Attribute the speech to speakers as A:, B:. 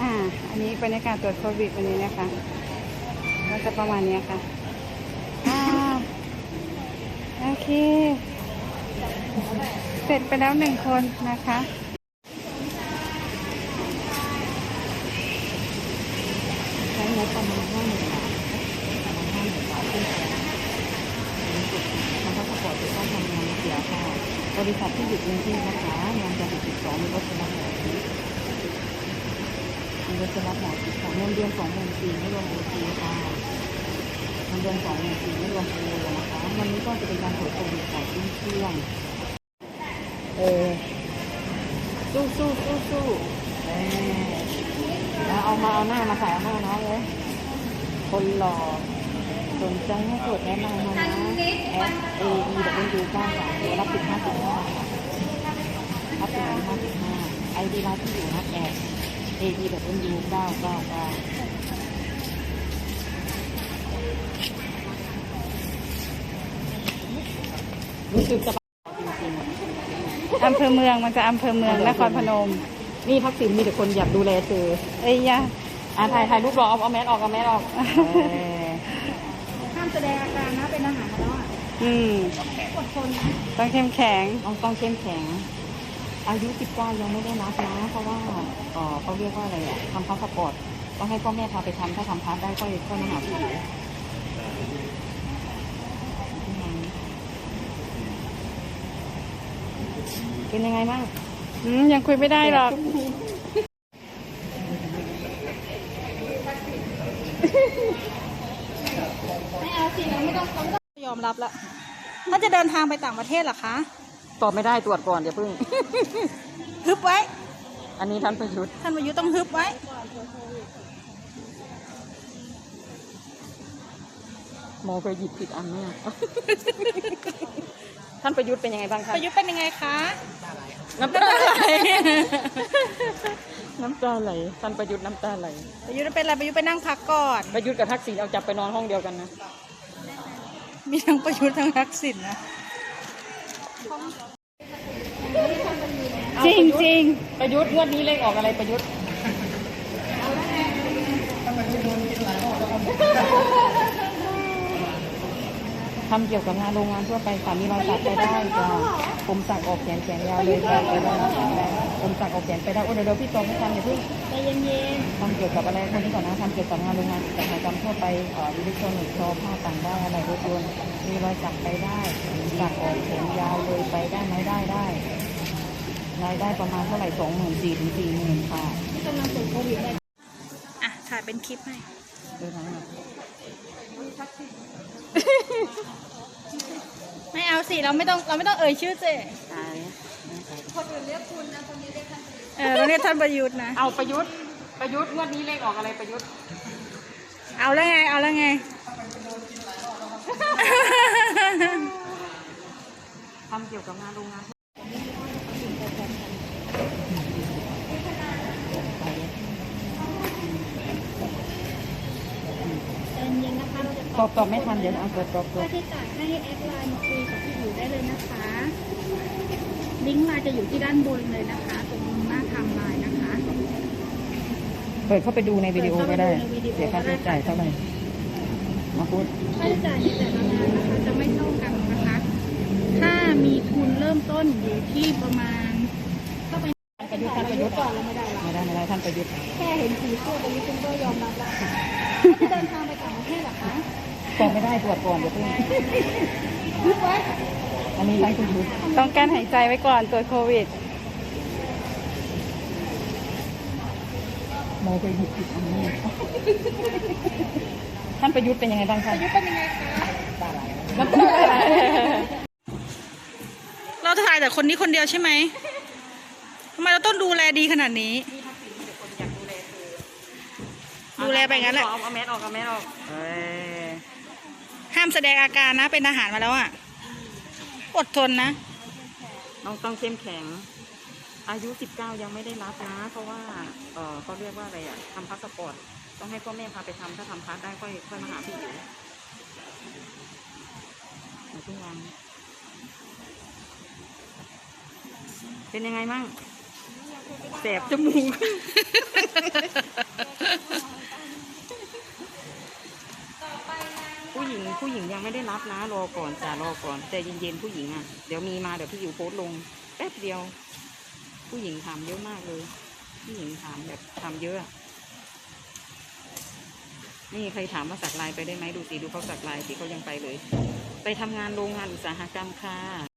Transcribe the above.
A: อันนี้บรรยากาศตรวจโควิดวันนี้นะคะก็จะประมาณนี้ค่ะโอเคเสร็จไปแล้ว1 คนนะคะ
B: ใช้งบประมาณ50,000 บาทขึ้นทางพาสปอร์ตจะต้องทำงานเสียค่ะบริษัทที่อยู่กรุงเทพนะคะงานจะติด2มีรถจะรับหอมีรถจะรับหอของเงินเดือน24,000ไม่รวมโอทีค่ะเงินเดือน24,000ไม่รวมโอนะคะวันนี้ก็จะเป็นการตรวจโควิดก่อนขึ้นเครื่องสู้แล้วเอาหน้ามาใส่เอาหน้าน้องเลยคนหล่อสนใจให้กดแนะนำมานะ@AEW93รับ15.5รับ15.5 ID ร้านที่อยู่นะ@AEW999รู้สึกจะจริง
A: อำเภอเมืองมันจะอำเภอเมืองนครพนม
B: นี่ทักษิณมีแต่คนอยากดูแลเธอ
A: เอ้ยยะ
B: ถ่ายรูปรอเอาแมสออก
C: ห้ามแสดงอาการนะเป็นอาหารแล้วอดทนนะ
A: ต้องเข้มแข็ง
B: ต้องเข้มแข็งอายุ19ยังไม่ได้นับนะเพราะว่าเขาเรียกว่าอะไรอ่ะทำพาสปอร์ตต้องให้พ่อแม่พาไปทำถ้าทำพาสได้ก็มาหาพี่อยู่เป็นยังไงบ้าง
A: ยังคุยไม่ได้หรอก
C: ไม่เอาสิเราไม่ต้องยอมรับละถ้าจะเดินทางไปต่างประเทศเหรอคะ
B: ตอบไม่ได้ตรวจก่อนอย่าเพิ่ง
C: ฮึบไว้
B: อันนี้ท่านประยุทธ์
C: ต้องฮึบไว้
B: โมเคยหยิบผิดอันเนี่ยท่านประยุทธ์เป็นยังไงบ้างคะ
C: ประยุทธ์เป็นยังไงคะ
B: น้ำตาไหลท่านประยุทธ์น้ำตาไหล
C: ประยุทธ์เป็นอะไรประยุทธ์ไปนั่งพักก่อน
B: ประยุทธ์กับทักษิณเอาจับไปนอนห้องเดียวกันนะ
C: มีทั้งประยุทธ์ทั้งทักษิณนะ
A: จริง
B: ประยุทธ์งวดนี้เลขออกอะไรประยุทธ์ทำเกี่ยวกับงานโรงงานทั่วไปค่ะมีรอยสักไปได้จ้ะผมสักออกแขนยาวเลยไปได้ผมสักออกแขนไปได้เดี๋ยวพี่ตองไม่ทำอย่าเพิ่ง
C: ใจเย็น
B: ๆทำเกี่ยวกับอะไรคนนี้ก่อนนะทำเกี่ยวกับงานโรงงานอุตสาหกรรมทั่วไปอิเล็กทรอนิกส์ผ้าต่างได้อะไรรถยนต์มีรอยสักไปได้สักออกแขนยาวเลยไปได้ไหมได้รายได้ประมาณเท่าไหร่24,000 ถึง 40,000ค่ะ
C: ที่กำลังตรวจโควิดถ่ายเป็นคลิปให้ไม่เอาสิเราไม่ต้องเอ่ยชื่อเจ๊คนอื่นเรียกคุณนะคนนี้เรียกท่าน
A: เราเรียกท่านประยุทธ์นะ
B: เอาประยุทธ์งวดนี้เลขออกอะไรประยุทธ์
A: เอาแล้วไง
B: ทำเกี่ยวกับงานโรงงานตอบไม่ทันเดี๋ยวเอาตอบ
C: ค่าใช้จ่ายให้แอดไลน์มาคุยกับพี่อยู่ได้เลยนะคะลิงก์ไลน์จะอยู่ที่ด้านบนเลยนะคะตรงหน้าไทม์ไลน์นะคะ
B: เปิดเข้าไปดูในวิดีโอก็ได้เสียค่าใช้จ่ายเท่าไหร่มาพูด
C: ค่าใช้จ่ายในแต่ละงานนะคะจะไม่เท่ากันนะคะถ้ามีทุนเริ่มต้นอยู่ที่ประมาณเข้าไป
B: ประยุทธ์ก่อนแล้วไม่ได้ท่านประยุทธ์
C: แค่เห็นสีคู่ประยุทธ์ก็ยอมรับแล้วค่ะจะเดินทางไปต่างประเทศเหรอคะ
B: ตอบไม่ได้ตรวจก่อนเดี๋ยวเพิ่งอันนี้ท่านประยุทธ์
A: ต้องการหายใจไว้ก่อนตรวจโควิด
B: โมเคยหยิบผิดอันนี้ท่านประยุทธ์เป็นยังไงบ้างคะ
C: ประยุทธ์เป็นยังไงคะ
B: น้ำตาไหล
A: เราถ่ายแต่คนนี้คนเดียวใช่ไหมทำไมเราต้องดูแลดีขนาดนี้ดูแลไปงั้นแหละ
B: เอาแมสออก
A: ห้ามแสดงอาการนะเป็นทหารมาแล้วอ่ะอดทนนะ
B: ต้องเข้มแข็งอายุ19ยังไม่ได้รับนะเพราะว่าเขาเรียกว่าอะไรอ่ะทำพาสปอร์ตต้องให้พ่อแม่พาไปทำถ้าทำพาสได้ค่อยมาหาพี่อยู่ทุกวันเป็นยังไงมั่งแสบจมูก ผู้หญิงยังไม่ได้รับนะรอก่อนจ้ารอก่อนใจเย็นๆผู้หญิงอ่ะเดี๋ยวมีมาเดี๋ยวพี่อยู่โพสต์ลงแป๊บเดียว ผู้หญิงถามเยอะมากเลย ผู้หญิงถามแบบถามเยอะนี่ใครถามว่าสักลายไปได้ไหมดูสิดูเขาสักลายสิเขายังไปเลย ไปทำงานโรงงานอุตสาหกรรมค่ะ